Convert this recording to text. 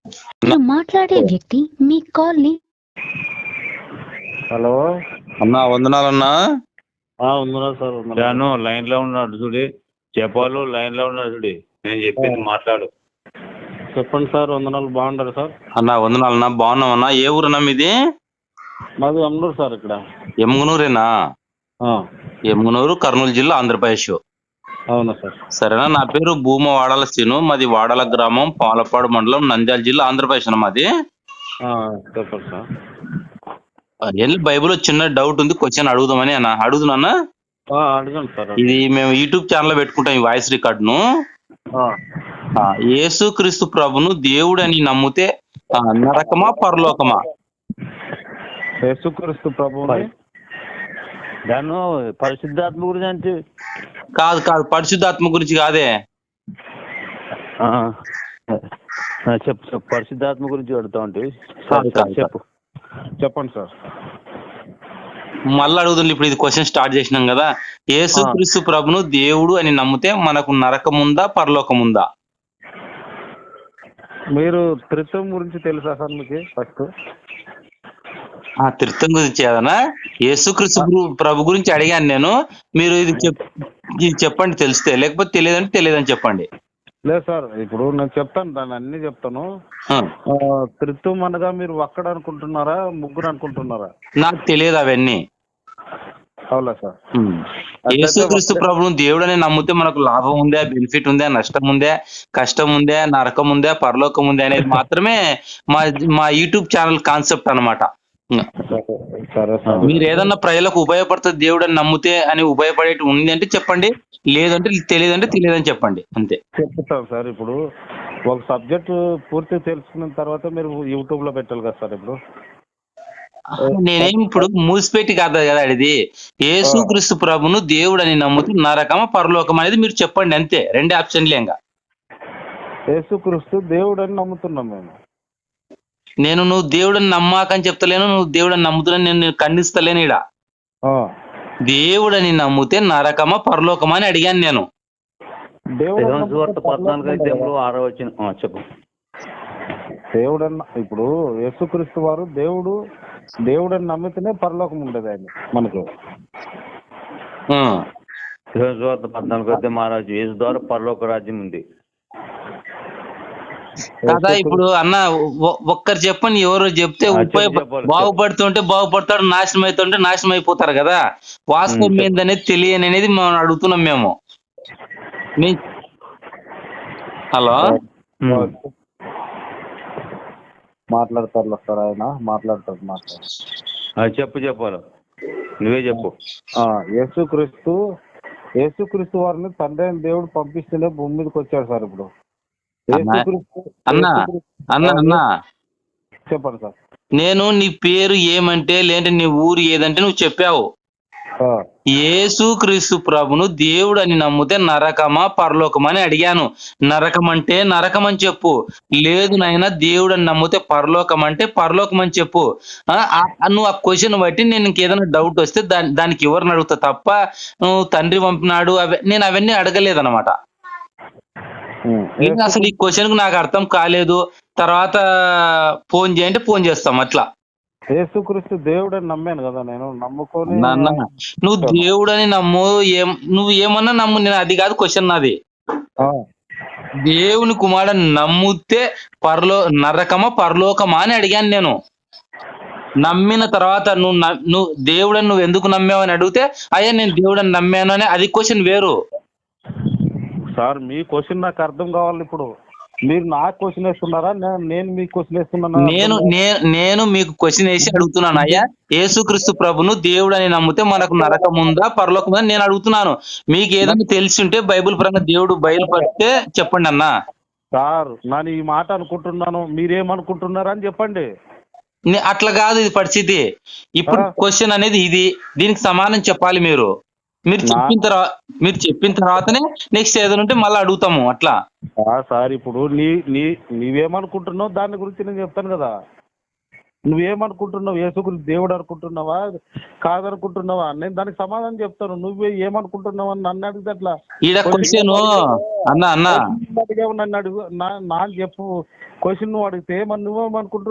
మీరు మాట్లాడే వ్యక్తి మీ కాల్ ని హలో అన్నా వందనాలన్నా. ఉందా సార్? జాను లైన్ లో ఉన్నాడు చూడి, చెప్పాలు లైన్ లో ఉన్నాడు చూడి, నేను చెప్పింది మాట్లాడు. చెప్పండి సార్. వందనాలు. బాగుంటారు సార్? అన్నా వందనాలన్నా. బాగున్నామన్నా. ఏ ఊరన్నా మీది? మాది అమ్మూరు సార్. ఇక్కడ ఎమ్మునూరేనా? ఎమ్మునూరు, కర్నూలు జిల్లా, ఆంధ్రప్రదేశ్. అవునా సార్? సరేనా. నా పేరు భూమ వాడాల శ్రీను. మాది వాడాల గ్రామం, పాలపాడు మండలం, నంద్యాల జిల్లా, ఆంధ్రప్రదేశ్ అన్న మాది. చెప్పండి సార్. బైబిల్ చిన్న డౌట్ ఉంది, క్వశ్చన్ అడుగుదామని అన్న. అడుగుతున్నా. అడగండి సార్. ఇది మేము యూట్యూబ్ ఛానల్ లో పెట్టుకుంటాం ఈ వాయిస్ రికార్డును. యేసు క్రీస్తు ప్రభును దేవుడు అని నమ్మితే నరకమా పరలోకమా? యేసుక్రీస్తు ప్రభు జాను పరిశుద్ధాత్మ గురించి కాదు కాదు, పరిశుద్ధాత్మ గురించి కాదే. చెప్పు చెప్పు, పరిశుద్ధాత్మ గురించి అడుగుతా ఉంటే చెప్పు. చెప్పండి సార్. మళ్ళీ అడుగుతుంది. ఇప్పుడు ఇది క్వశ్చన్ స్టార్ట్ చేసినాం కదా. యేసు క్రీస్తు ప్రభును దేవుడు అని నమ్మితే మనకు నరకం ఉందా పరలోకం ఉందా? మీరు త్రిత్వం గురించి తెలుసా సార్ మీకు? ఫస్ట్ త్రిత్వం గురించి ఏదన్నా? యేసు క్రీస్తు ప్రభు గురించి అడిగాను నేను. మీరు ఇది చెప్పండి తెలిస్తే, లేకపోతే తెలియదంటే తెలియదని చెప్పండి. లేదు సార్, ఇప్పుడు నేను చెప్తాను, దాన్ని అన్ని చెప్తాను. త్రిత్వం అనగా మీరు ఒక్కడు అనుకుంటున్నారా, ముగ్గురు అనుకుంటున్నారా? నాకు తెలియదు అవన్నీ. అవునా సార్? యేసుక్రీస్తు ప్రభువును దేవుడని నమ్మితే మనకు లాభం ఉందా, బెనిఫిట్ ఉందా, నష్టం ఉందా, కష్టం ఉందా, నరకం ఉందా, పరలోకం ఉందా అనేది మాత్రమే మా యూట్యూబ్ ఛానల్ కాన్సెప్ట్ అన్నమాట. మీరు ఏదన్నా ప్రజలకు ఉపయోగపడుతుంది దేవుడు అని నమ్మితే అని ఉపయోగపడేటి ఉంది అంటే చెప్పండి, లేదంటే తెలియదంటే తెలియదని చెప్పండి, అంతే. చెప్తాం సార్. ఇప్పుడు ఒక సబ్జెక్ట్ పూర్తి తెలుసుకున్న తర్వాత మీరు యూట్యూబ్ లో పెట్టాలి కదా సార్. ఇప్పుడు నేనేం ఇప్పుడు మూసిపెట్టి కాదు కదా ఇది. యేసుక్రీస్తు ప్రభును దేవుడు అని నమ్ముతూ నరకమా పరలోకం అనేది మీరు చెప్పండి, అంతే. రెండే ఆప్షన్లేంగా. యేసుక్రీస్తు దేవుడు అని నమ్ముతున్నాం మేము. నేను నువ్వు దేవుడని నమ్మాకని చెప్తలేను, నువ్వు దేవుడని నమ్ముతున్నా నేను ఖండిస్తలేను. ఇడ దేవుడని నమ్మితే నరకమా పరలోకమా అని అడిగాను నేను. దేవుడు 14 చెప్పు. దేవుడన్న ఇప్పుడు యేసుక్రీస్తు వారు దేవుడని నమ్మితేనే పరలోకం ఉండేది ఆయన మనకు. 14 మహారాజు యేసు ద్వారా పరలోక రాజ్యం ఉంది కదా. ఇప్పుడు అన్న ఒక్కరు చెప్పండి, ఎవరో చెప్తే బాగుపడుతుంటే బాగుపడతాడు, నాశనం అవుతుంటే నాశనం అయిపోతారు కదా. వాస్తవం ఏందనేది తెలియని అనేది మనం అడుగుతున్నాం మేము. హలో, మాట్లాడతారు సార్, ఆయన మాట్లాడతారు. చెప్పు చెప్పాలి, నువ్వే చెప్పు. యేసుక్రీస్తు వారిని తండ్రి అయిన దేవుడు పంపిస్తేనే భూమి మీదకి వచ్చాడు సార్. ఇప్పుడు అన్నా చెప్పండి సార్. నేను నీ పేరు ఏమంటే లేదంటే నీ ఊరు ఏదంటే నువ్వు చెప్పావు. యేసుక్రీస్తు ప్రభును దేవుడు అని నమ్మితే నరకమా పరలోకమా అని అడిగాను. నరకం అంటే నరకం అని చెప్పు, లేదు నాయన దేవుడు అని నమ్మితే పరలోకం అంటే పరలోకం అని చెప్పు. నువ్వు ఆ క్వశ్చన్ బట్టి నేను ఇంకేదైనా డౌట్ వస్తే దానికి ఎవరిని అడుగుతా తప్ప నువ్వు తండ్రి పంపినాడు నేను అవన్నీ అడగలేదన్నమాట. అసలు ఈ క్వశ్చన్ కు నాకు అర్థం కాలేదు, తర్వాత ఫోన్ చేయంటే ఫోన్ చేస్తాం అట్లా. యేసుక్రీస్తు దేవుడని నమ్మాను కదా నేను, నమ్ముకొని. నువ్వు దేవుడని నమ్ము, నువ్వు ఏమన్నా నమ్ము, నేను అది కాదు క్వశ్చన్ నాది. దేవుని కుమారుడు నమ్మితే నరకమా పరలోకమా అని అడిగాను నేను. నమ్మిన తర్వాత నువ్వు దేవుడని నువ్వు ఎందుకు నమ్మావు అని అడిగితే అయ్యా నేను దేవుడని నమ్మాను అని, అది క్వశ్చన్ వేరు సార్. మీ క్వశ్చన్ నాకు అర్థం కావాలి. ఇప్పుడు మీరు నాకు క్వశ్చన్ వేస్తున్నారా, నేను మీకు క్వశ్చన్ వేస్తున్నాను? నేను మీకు క్వశ్చన్ వేసి అడుగుతున్నాను. అయ్యా యేసుక్రీస్తు ప్రభును దేవుడు అని నమ్మితే మనకు నరకం ఉందా పరలోకం ఉందా నేను అడుగుతున్నాను. మీకు ఏదైనా తెలిసి ఉంటే బైబిల్ పరంగా దేవుడు బయలుపడితే చెప్పండి అన్న. సార్ నేను ఈ మాట అనుకుంటున్నాను, మీరేమనుకుంటున్నారా అని చెప్పండి. అట్లా కాదు ఇది పరిస్థితి. ఇప్పుడు క్వశ్చన్ అనేది ఇది, దీనికి సమానం చెప్పాలి మీరు. మీరు చెప్పిన తర్వాతనే నెక్స్ట్ ఏదైనా ఉంటే మళ్ళీ అడుగుతాము అట్లా. సార్ ఇప్పుడు నీవేమనుకుంటున్నావు దాని గురించి నేను చెప్తాను కదా. నువ్వేమనుకుంటున్నావు? యేసుక్రీస్తు దేవుడు అనుకుంటున్నావా కాదనుకుంటున్నావా? నేను దానికి సమాధానం చెప్తాను. నువ్వే ఏమనుకుంటున్నావు అని నన్ను అడిగితే అట్లా ఈడ క్వశ్చన్ అన్న అడిగావు, నన్ను అడుగు, నా చెప్పు. క్వశ్చన్ నువ్వు అడిగితే మరి నువ్వేమనుకుంటున్నావు?